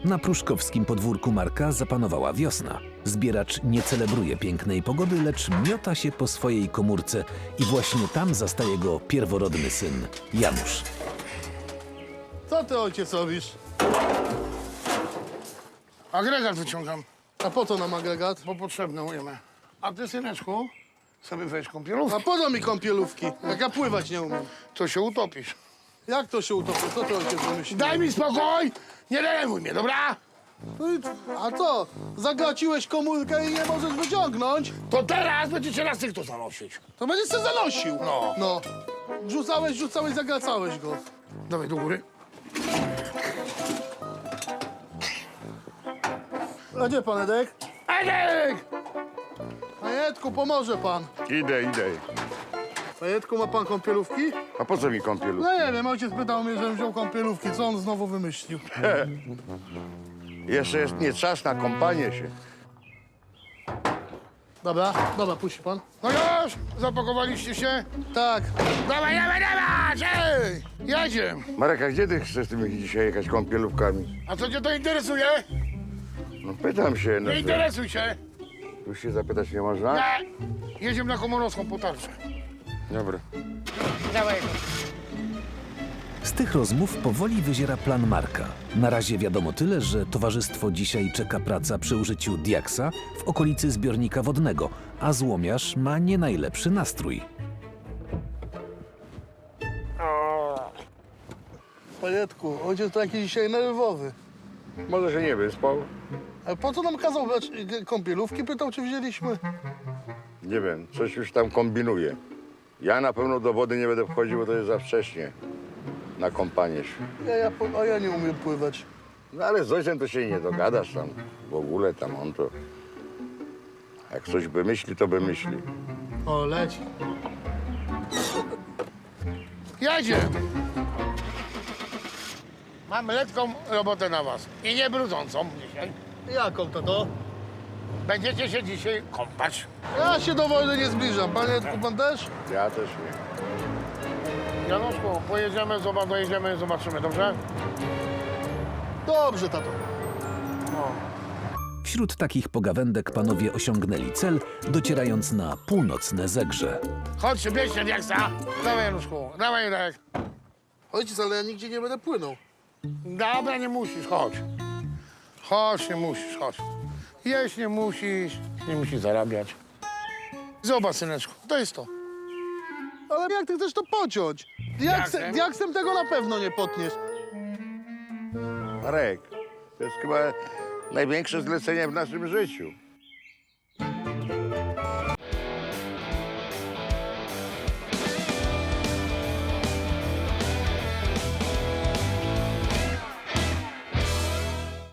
Na pruszkowskim podwórku Marka zapanowała wiosna. Zbieracz nie celebruje pięknej pogody, lecz miota się po swojej komórce i właśnie tam zastaje go pierworodny syn, Janusz. Co ty, ojciec, robisz? Agregat wyciągam, A po co nam agregat? bo potrzebne ujemy. A ty, syneczku, sobie weź kąpielówkę. A po co mi kąpielówki, jak ja pływać nie umiem? To się utopisz. Jak to się utopi? Co ty, ojciec, wymyślił? Daj mi spokój! Nie denerwuj mnie, dobra? No a co? Zagaciłeś komórkę i nie możesz wyciągnąć? To teraz będziecie na styk to zanosić. To będziesz się zanosił. No. No. Rzucałeś, zagacałeś go. Dawaj do góry. A gdzie pan Edek? Edek! Panie Edku, pomoże pan. Idę. Panie Edku, ma pan kąpielówki? A po co mi kąpielówka? No nie wiem, ojciec pytał mnie, żebym wziął kąpielówki. Co on znowu wymyślił? Jeszcze jest nie czas na kąpanie się. Dobra, puści pan. No już! Zapakowaliście się? Tak. Dawaj! Ej! Jedziemy! Marek, a gdzie ty chcesz tymi dzisiaj jechać kąpielówkami? A co cię to interesuje? No pytam się. No, Nie interesuj się! tu się zapytać nie można? Nie! Jedziemy na Komorowską po tarczę. Dobra. Dawaj. Z tych rozmów powoli wyziera plan Marka. Na razie wiadomo tyle, że towarzystwo dzisiaj czeka praca przy użyciu diaksa w okolicy zbiornika wodnego, a złomiarz ma nie najlepszy nastrój. Panie Edku, ojciec to jakiś dzisiaj nerwowy. Może się nie wyspał? Ale po co nam kazał brać kąpielówki? Pytał, czy wzięliśmy. Nie wiem, coś już tam kombinuje. Ja na pewno do wody nie będę wchodził, bo to jest za wcześnie na kąpanie się. A ja nie umiem pływać. No ale z ojcem to się nie dogadasz tam. W ogóle tam on to... Jak coś wymyśli, to wymyśli. O, leci. Jedziemy! Mamy letką robotę na was. I nie brudzącą dzisiaj. Jaką to? Będziecie się dzisiaj kąpać. Ja się do wojny nie zbliżam. Panie Edku, pan też? Ja też nie. Januszku, pojedziemy, dojedziemy, zobaczymy, dobrze? Dobrze, tato. Wśród takich pogawędek panowie osiągnęli cel, docierając na północne Zegrze. Chodź, bierzcie diaksa. Dawaj, Januszku, dawaj, Jarek. Ojciec, ale ja nigdzie nie będę płynął. Dobra, nie musisz, chodź. Chodź, nie musisz, chodź. Jeść nie musisz zarabiać. Zobacz, syneczku, to jest to. Ale jak ty chcesz to pociąć? Diaksem? Diaksem tego na pewno nie potniesz. Marek, to jest chyba największe zlecenie w naszym życiu.